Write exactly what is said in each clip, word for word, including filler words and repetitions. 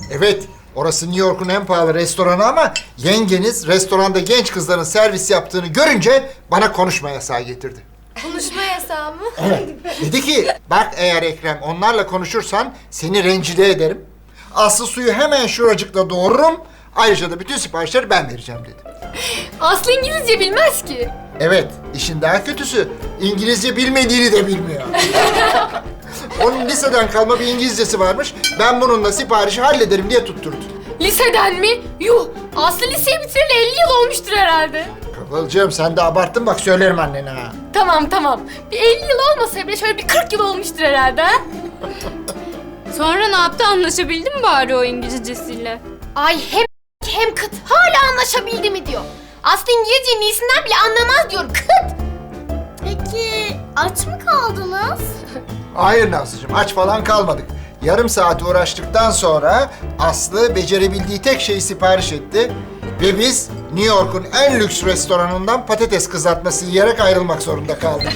Evet, orası New York'un en pahalı restoranı ama yengeniz restoranda genç kızların servis yaptığını görünce bana konuşma yasağı getirdi. Konuşma yasağı mı? Evet. Dedi ki, bak eğer Ekrem onlarla konuşursan seni rencide ederim. Aslı suyu hemen şuracıkla doğururum. Ayrıca da bütün siparişleri ben vereceğim dedi. Aslı İngilizce bilmez ki. Evet, işin daha kötüsü İngilizce bilmediğini de bilmiyor. Onun liseden kalma bir İngilizcesi varmış. Ben bununla siparişi hallederim diye tutturdu. Liseden mi? Yuh! Aslı liseyi bitireli elli yıl olmuştur herhalde. Kıvılcım sen de abarttın bak söylerim annene ha. Tamam tamam. Bir elli yıl olmasa bile şöyle bir kırk yıl olmuştur herhalde ha? Sonra ne yaptı? Anlaşabildin mi bari o İngilizcesiyle? Ay hem hem kıt. Hala anlaşabildi mi diyor. Aslı İngilizcenin iyisinden bile anlamaz diyor. Kıt! Peki aç mı kaldınız? Hayır Nazlıcığım aç falan kalmadık. Yarım saat uğraştıktan sonra Aslı becerebildiği tek şeyi sipariş etti. Ve biz New York'un en lüks restoranından patates kızartması yiyerek ayrılmak zorunda kaldık.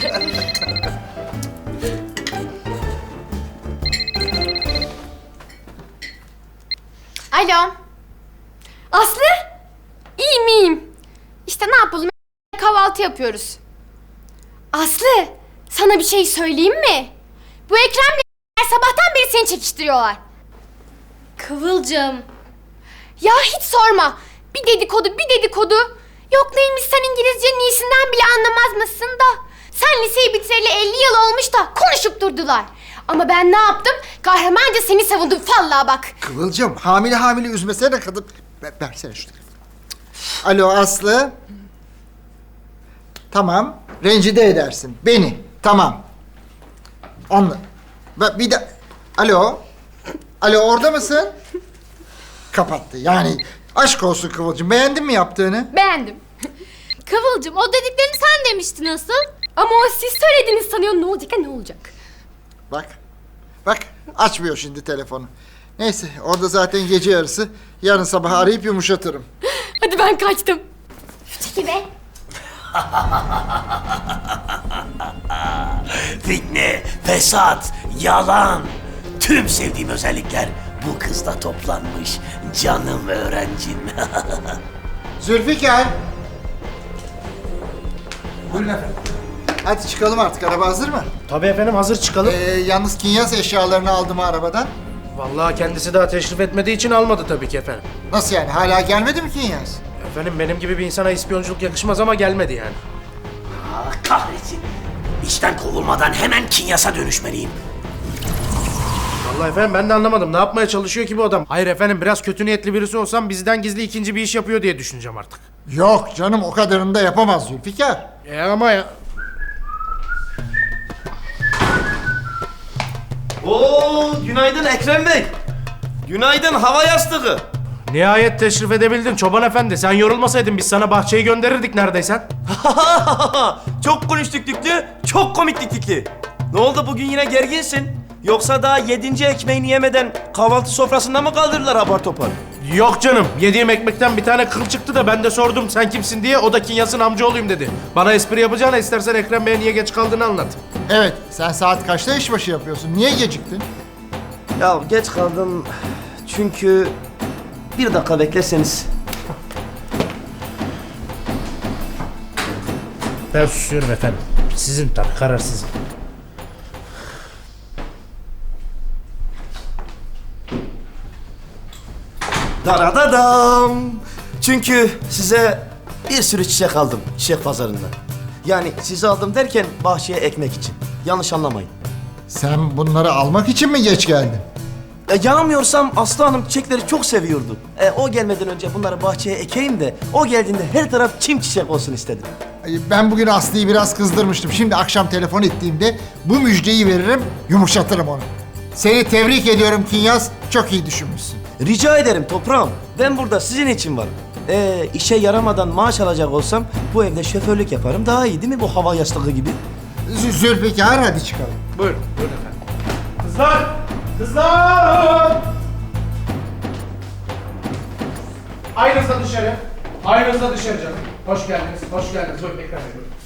Alo. Aslı? İyiyim iyiyim. İşte ne yapalım? Kahvaltı yapıyoruz. Aslı, sana bir şey söyleyeyim mi? Bu Ekrem'le sabahtan beri seni çekiştiriyorlar. Kıvılcım. Ya hiç sorma. Bir dedikodu, bir dedikodu. Yok neymiş sen İngilizcenin iyisinden bile anlamaz mısın da. Sen liseyi bitireli elli yıl olmuş da konuşup durdular. Ama ben ne yaptım? Kahramanca seni savundum vallahi bak. Kıvılcım hamile hamile üzmesene kadın. Ver, versene şu telefonu. Alo Aslı. Tamam. Rencide edersin. Beni. Tamam. Anla. Ve bir de... Alo. Alo orada mısın? Kapattı. Yani aşk olsun Kıvılcım. Beğendin mi yaptığını? Beğendim. Kıvılcım o dediklerini sen demiştin asıl. Ama o siz söylediniz sanıyor ne olacak ha ne olacak? Bak. Bak. Açmıyor şimdi telefonu. Neyse orada zaten gece yarısı. Yarın sabah arayıp yumuşatırım. Hadi ben kaçtım. Çekil be. Fitne, fesat, yalan. Tüm sevdiğim özellikler bu kızda toplanmış. Canım öğrencim. Zülfikar. Buyurun efendim. Hadi çıkalım artık. Araba hazır mı? Tabii efendim hazır çıkalım. Ee, yalnız Kinyas eşyalarını aldım arabadan. Vallahi kendisi daha teşrif etmediği için almadı tabii ki efendim. Nasıl yani? Hala gelmedi mi Kinyas? Efendim benim gibi bir insana ispiyonculuk yakışmaz ama gelmedi yani. Ah, kahretsin. İşten kovulmadan hemen Kinyas'a dönüşmeliyim. Vallahi efendim ben de anlamadım. Ne yapmaya çalışıyor ki bu adam? Hayır efendim biraz kötü niyetli birisi olsam bizden gizli ikinci bir iş yapıyor diye düşüneceğim artık. Yok canım o kadarını da yapamaz Zülfikar. E ama ya... Oo, günaydın Ekrem Bey. Günaydın hava yastığı. Nihayet teşrif edebildin çoban efendi. Sen yorulmasaydın biz sana bahçeyi gönderirdik neredeysen. Çok konuştuk Tüklü, çok komiklik Tüklü. Ne oldu bugün yine gerginsin? Yoksa daha yedinci ekmeğini yemeden kahvaltı sofrasında mı kaldırdılar apar topar? Yok canım. Yediğim ekmekten bir tane kıl çıktı da ben de sordum sen kimsin diye. O da Kinyas'ın amcaoğluyum dedi. Bana espri yapacağına istersen Ekrem Bey'e niye geç kaldığını anlat. Evet sen saat kaçta işbaşı yapıyorsun? Niye geciktin? Ya geç kaldım çünkü bir dakika beklerseniz. Ben susuyorum efendim. Sizin tabii karar sizin. Daradadam. Çünkü size bir sürü çiçek aldım çiçek pazarından. Yani sizi aldım derken bahçeye ekmek için. Yanlış anlamayın. Sen bunları almak için mi geç geldin? E, yanılmıyorsam Aslı Hanım çiçekleri çok seviyordu. E, o gelmeden önce bunları bahçeye ekeyim de o geldiğinde her taraf çim çiçek olsun istedim. Ay, Ben bugün Aslı'yı biraz kızdırmıştım. Şimdi akşam telefon ettiğimde bu müjdeyi veririm, yumuşatırım onu. Seni tebrik ediyorum Kinyas. Çok iyi düşünmüşsün. Rica ederim toprağım. Ben burada sizin için varım. E, işe yaramadan maaş alacak olsam bu evde şoförlük yaparım. Daha iyi değil mi bu hava yastığı gibi? Z- Zülfikar hadi çıkalım. Buyurun, buyurun efendim. Kızlar! Kızlar! Aynınıza dışarı. Aynınıza dışarı canım. Hoş geldiniz, hoş geldiniz. Buyurun Ekrem Bey, buyurun.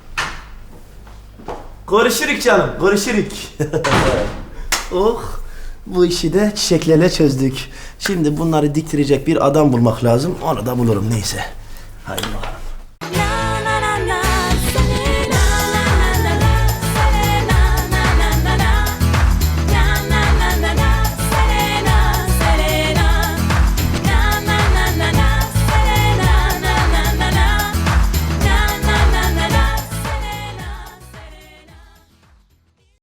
Görüşürük canım, görüşürük. Oh, Bu işi de çiçeklerle çözdük. Şimdi bunları diktirecek bir adam bulmak lazım. Onu da bulurum neyse. Haydi bakalım.